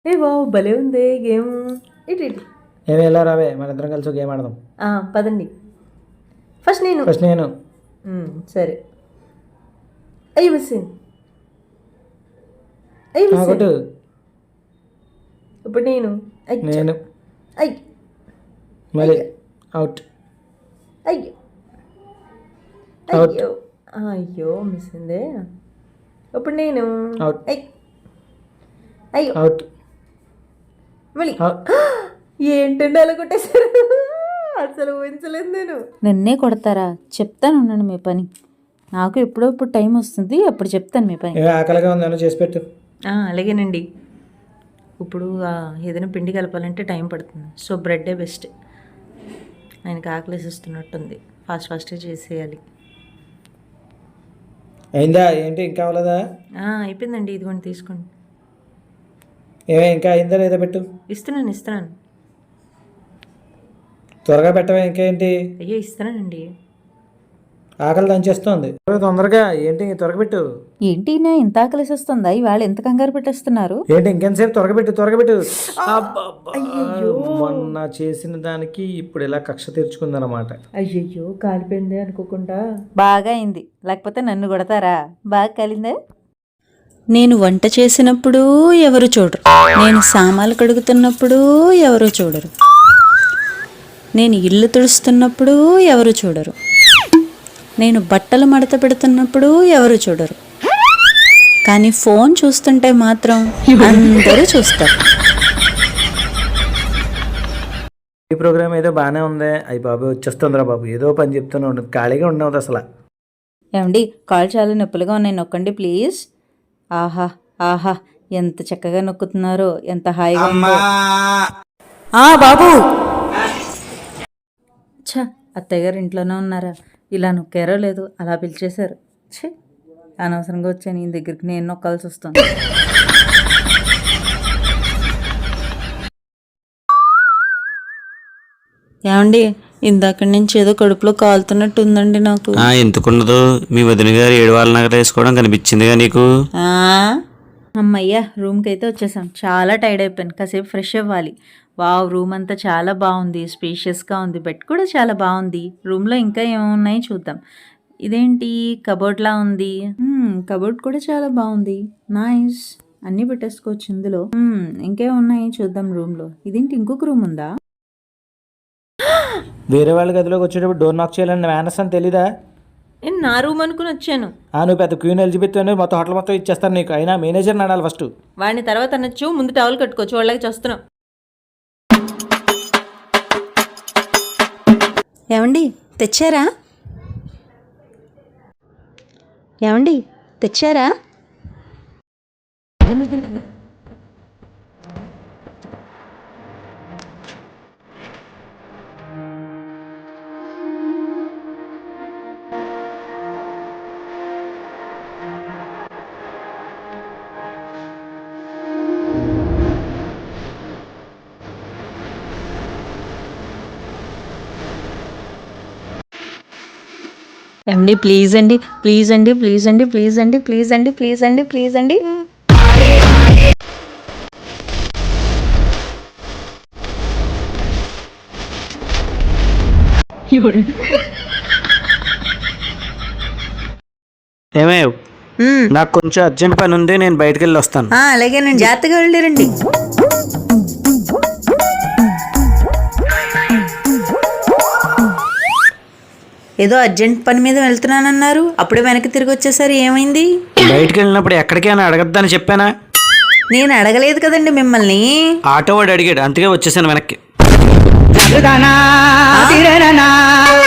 ఏ బాబు భలే ఉంది గేమ్. ఇటు ఇటు ఏమి ఎలా రావే మన ఇద్దరం కలిసి గేమ్ ఆడదాం. పదండి. ఫస్ట్ నేను. సరే. అయ్యి మిస్సింగ్. కొట్టు. ఇప్పుడు నేను. నేను అయ్యి మళ్ళీ అవుట్. అయ్యో అవుట్. అయ్యో అయ్యో మిస్సిందే. ఇప్పుడు నేను. అవుట్. అయ్యో అవుట్. మళ్ళీ ఏంటండి అలా కొట్టేశారు? అసలు ఊహించలేదు నేను. నన్నే కొడతారా? చెప్తాను ఉండండి మీ పని. నాకు ఎప్పుడప్పుడు టైం వస్తుంది, అప్పుడు చెప్తాను మీ పని. ఆకలిగా ఉందని చేసి పెట్టు. అలాగేనండి. ఇప్పుడు ఏదైనా పిండి కలపాలంటే టైం పడుతుంది, సో బ్రెడ్డే బెస్ట్. ఆయనకి ఆకలిసిస్తున్నట్టుంది, ఫాస్ట్గా చేసేయాలి. అయిందా? ఏంటి ఇంకా అవ్వలేదా? అయిపోయిందండి, ఇదిగోండి తీసుకోండి. ఇంకా అయిందా లేదా? పెట్టు. ఇస్తున్నాను. త్వరగా పెట్టవే. ఇంకా ఏంటి? అయ్యో ఇస్తున్నానండి. ఆకలి దంచేస్తుంది. తొందరగా ఏంటి? త్వరగా పెట్టు. ఏంటి నా ఇంత ఆకలిసి వస్తుందా? ఇవాళ ఎంత కంగారు పెట్టేస్తున్నారు? ఏంటి ఇంకెంతసేపు? త్వరగా పెట్టు. మొన్న చేసిన దానికి ఇప్పుడు ఇలా కక్ష తీర్చుకుందనమాట. అయ్యయ్యో కాలిపోయింది అనుకోకుండా. బాగా అయింది, లేకపోతే నన్ను కొడతారా? బాగా కాలిందే. నేను వంట చేసినప్పుడు ఎవరు చూడరు, నేను సామాన్లు కడుగుతున్నప్పుడు ఎవరు చూడరు, నేను ఇల్లు తుడుస్తున్నప్పుడు ఎవరు చూడరు, నేను బట్టలు మడత పెడుతున్నప్పుడు ఎవరు చూడరు, కానీ ఫోన్ చూస్తుంటే మాత్రం అందరూ చూస్తారు. ఈ ప్రోగ్రామ్ ఏదో బాగానే ఉంది. అయ్యి బాబు వచ్చేస్తుందిరా బాబు, ఏదో పని చెప్తూనే ఉండదు, ఖాళీగా ఉండవద్దు అసలు. ఏమండి, కాళ్ళు చాలా నొప్పులుగా ఉన్నాయి, నొక్కండి ప్లీజ్. ఆహా ఆహా, ఎంత చక్కగా నొక్కుతున్నారో, ఎంత హాయిగా ఉందో. బాబు. ఛ, అత్తయ్య గారు ఇంట్లోనే ఉన్నారా? ఇలా నొక్కారో లేదు, అలా పిలిచేశారు. ఛే, అనవసరంగా వచ్చాను ఈయన దగ్గరికి, నేను నొక్కాల్సి వస్తుంది. ఏమండి, ఇందాక నుంచి ఏదో కడుపులో కాలుతున్నట్టు ఉందండి నాకు. ఎందుకుండదు, మీ వదిన గారు 7 వారాల నగర వేసుకోవడం కనిపించిందిగా నీకు. అమ్మయ్యా, రూమ్కి అయితే వచ్చేసాం. చాలా టైర్డ్ అయిపోయాను, కాసేపు ఫ్రెష్ అవ్వాలి. వావ్, రూమ్ అంతా చాలా బాగుంది, స్పేషియస్గా ఉంది, బెడ్ కూడా చాలా బాగుంది. రూమ్లో ఇంకా ఏమున్నాయి చూద్దాం. ఇదేంటి కబోర్డ్లా ఉంది? కబోర్డ్ కూడా చాలా బాగుంది, నైస్. అన్నీ పెట్టేసుకోవచ్చు ఇందులో. ఇంకేమున్నాయి చూద్దాం రూమ్లో. ఇదేంటి ఇంకొక రూమ్ ఉందా? వేరే వాళ్ళ గదిలోకి వచ్చేటప్పుడు డోర్ నాక్ చేయాలని మేనస్ అని తెలీదా? నేను నా రూమ్ అనుకుని వచ్చాను. నువ్వు పెద్ద క్వీన్ ఎలిజబెత్ అని మొత్తం హోటల్ మొత్తం ఇచ్చేస్తాను నీకు. అయినా మేనేజర్ నడాలి ఫస్ట్. వాడిని తర్వాత అనొచ్చు, ముందు టవల్ కట్టుకోవచ్చు, వాళ్ళకి చూస్తున్నాం. ఏమండి తెచ్చారా? ఏమండి తెచ్చారా? ఏమండి ప్లీజ్ అండి, ప్లీజ్ అండి, ప్లీజ్ అండి, ప్లీజ్ అండి, ప్లీజ్ అండి, ప్లీజ్ అండి, ప్లీజ్ అండి. ఏమే, నాకు కొంచెం అర్జెంట్ పని ఉంది, నేను బయటకు వెళ్ళి వస్తాను. అలాగేనండి, జాగ్రత్తగా వెళ్ళిరండి. ఏదో అర్జెంట్ పని మీద వెళ్తున్నానన్నారు, అప్పుడే వెనక్కి తిరిగి వచ్చేసరి ఏమైంది? బయటకు వెళ్ళినప్పుడు ఎక్కడికైనా అడగద్దని చెప్పానా? నేను అడగలేదు కదండి మిమ్మల్ని. ఆటో వాడు అడిగాడు, అందుకే వచ్చేసాను వెనక్కి.